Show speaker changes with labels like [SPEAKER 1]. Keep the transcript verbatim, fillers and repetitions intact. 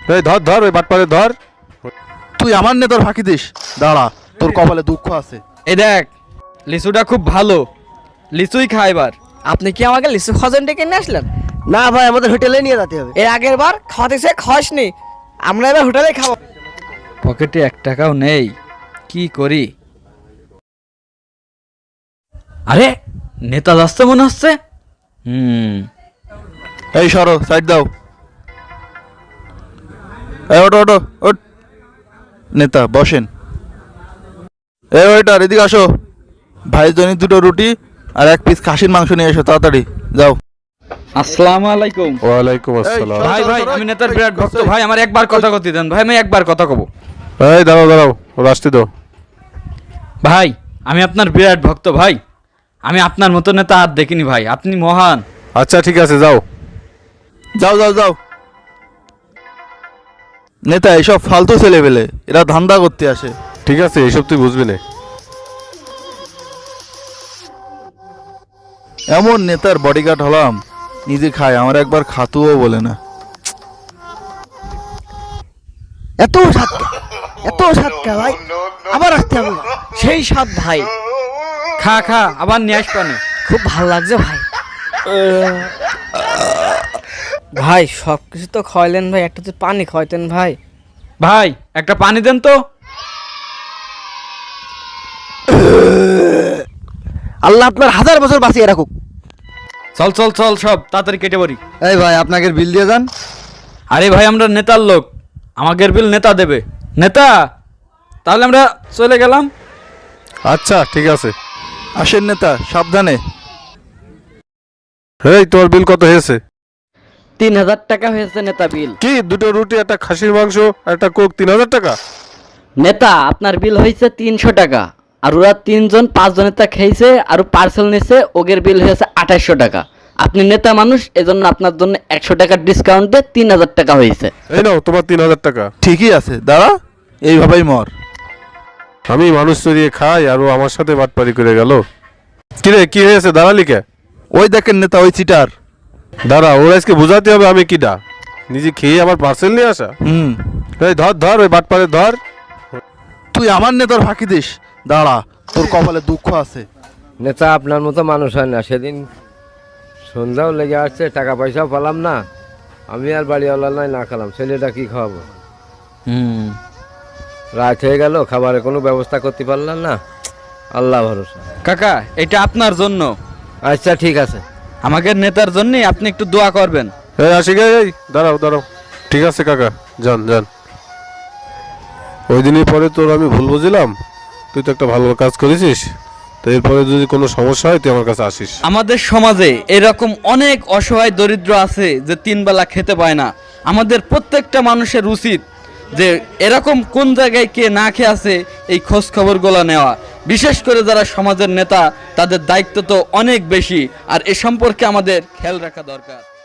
[SPEAKER 1] এই ধর ধর ওই বাটপারে ধর।
[SPEAKER 2] তুই আমার নেতার ফাঁকি দিস, দাঁড়া, তোর কপালে দুঃখ আছে।
[SPEAKER 3] এই দেখ, লিচুটা খুব ভালো, লিচুই খা এবার।
[SPEAKER 4] আপনি কি আমাকে লিচু খজন ডেকে নিয়ে আসলেন?
[SPEAKER 5] না ভাই, আমাদের হোটেলে নিয়ে যেতে হবে।
[SPEAKER 4] এর আগের বার খাওয়াতে সে খাসনি, আমরা এবার হোটেলে খাবো।
[SPEAKER 3] পকেটে এক টাকাও নেই, কি করি? আরে নেতা যাচ্ছে মনে হচ্ছে। হুম
[SPEAKER 2] এই সরো, সাইড দাও। এই ওটো ওটো ওট। নেতা বসেন। এই ওইটার এদিকে আসো, ভাইয়ের জন্য দুটো রুটি আর এক পিস খাসির মাংস নিয়ে এসো, তাড়াতাড়ি যাও।
[SPEAKER 3] আসসালামু আলাইকুম।
[SPEAKER 1] ওয়ালাইকুম আসসালাম।
[SPEAKER 3] ভাই ভাই আমি নেতার বিরাট ভক্ত ভাই, আমার একবার কথা কতি দেন ভাই, আমি একবার কথা কব।
[SPEAKER 1] এই দাঁড়াও দাঁড়াও, রাস্তে দাও।
[SPEAKER 3] ভাই আমি আপনার বিরাট ভক্ত ভাই, আমি আপনার মতো নেতা আর দেখিনি ভাই, আপনি মহান।
[SPEAKER 1] আচ্ছা ঠিক আছে, যাও
[SPEAKER 2] যাও যাও যাও। নেতা এসব ফালতু ছেলে পেলে, এরা ধান্দা করতে আসে।
[SPEAKER 1] ঠিক আছে, এইসব তুই বুঝবি না।
[SPEAKER 2] এমন নেতার বডিগার্ড হলাম, নিজে খায়, আমার একবার খাতুও বলে না।
[SPEAKER 5] এত সাতকা, এত সাতকা ভাই, আবার আসতে হবে।
[SPEAKER 4] সেই স্বাদ ভাই,
[SPEAKER 3] খা খা, আবার নিয়ে আসবানে।
[SPEAKER 4] খুব ভালো লাগছে ভাই। ভাই সব কিছু তো খাওয়াইলেন ভাই, একটা তো পানি খাওয়াইতেন ভাই।
[SPEAKER 3] ভাই একটা পানি দেন তো।
[SPEAKER 5] আল্লাহ আপনার হাজার বছর বাঁচিয়ে রাখুক।
[SPEAKER 3] চল চল চল, সব তাড়াতাড়ি কেটে পড়ি।
[SPEAKER 2] এই ভাই, আপনাকে বিল দিয়ে যান।
[SPEAKER 3] আরে ভাই আমরা নেতার লোক, আমাদের বিল নেতা দেবে। নেতা, তাহলে আমরা চলে গেলাম।
[SPEAKER 1] আচ্ছা ঠিক আছে।
[SPEAKER 2] আসেন নেতা, সাবধানে।
[SPEAKER 1] এই তোর বিল কত হয়েছে?
[SPEAKER 4] তিন হাজার টাকা হয়েছে নেতা বিল।
[SPEAKER 1] কি দুটো রুটি, একটা খাসির মাংস আর একটা কোক, তিন হাজার টাকা?
[SPEAKER 4] নেতা আপনার বিল হয়েছে তিনশো টাকা, আর ওরা তিনজন পাঁচজনের তা খেয়েছে আর পার্সেল নিয়েছে, ওগের বিল হয়েছে আঠাশশো টাকা। আপনি নেতা মানুষ, এজন্য আপনার জন্য একশো টাকার ডিসকাউন্টে তিন হাজার টাকা হয়েছে।
[SPEAKER 1] এই নাও তোমার তিন হাজার টাকা।
[SPEAKER 2] ঠিকই আছে, দাঁড়া, এইভাবেই মর।
[SPEAKER 1] আমি মানুষ চড়িয়ে খাই আর ও আমার সাথে বাটপারি করে গেল। কিরে কি হয়েছে, দাঁড়ালি কে?
[SPEAKER 2] ওই দেখেন নেতা, ওই চিটার।
[SPEAKER 1] দাঁড়া, ওর আজকে বোঝাতে হবে আমি কিডা। নিজে খেয়ে আবার পার্সেল নিয়ে আসা।
[SPEAKER 2] হুম,
[SPEAKER 1] এই ধর ধর ওই বাটপারে ধর।
[SPEAKER 2] তুই আমার নেতার ফাঁকি দিস, দাঁড়া, তোর কপালে দুঃখ আছে।
[SPEAKER 6] নেতা আপনার মতো মানুষ হয় না। সেদিন সন্ধ্যাও লেগে আসছে, টাকা পয়সাও পেলাম না, আমি আর বাড়িওয়ালা নাই, না খেলাম, ছেলেটা কি খাওয়াবো?
[SPEAKER 3] হুম
[SPEAKER 6] রাত হয়ে গেল, খাবারের কোনো ব্যবস্থা করতে পারলাম না, আল্লাহ ভরসা।
[SPEAKER 3] কাকা, এটা আপনার জন্য,
[SPEAKER 6] আচ্ছা ঠিক আছে।
[SPEAKER 3] আমাদের নেতার জন্য আপনি একটু দোয়া করবেন।
[SPEAKER 1] এই আসি গে, এই দাঁড়াও দাঁড়াও। ঠিক আছে কাকা, যান যান। ওই দিনই পরে তোর আমি ভুল বুঝলাম, তুই তো একটা ভালো কাজ করেছিস, তো এরপরে যদি কোনো সমস্যা হয় তুই আমার কাছে আসিস।
[SPEAKER 3] আমাদের সমাজে এরকম অনেক অসহায় দরিদ্র আছে যে তিন বেলা খেতে পায় না। আমাদের প্রত্যেকটা মানুষের উচিত যে এরকম কোন জায়গায় কে না খেয়ে আছে এই খোঁজ খবরগুলো নেওয়া। বিশেষ করে যারা সমাজের নেতা, তাদের দায়িত্ব তো অনেক বেশি, আর এ সম্পর্কে আমাদের খেয়াল রাখা দরকার।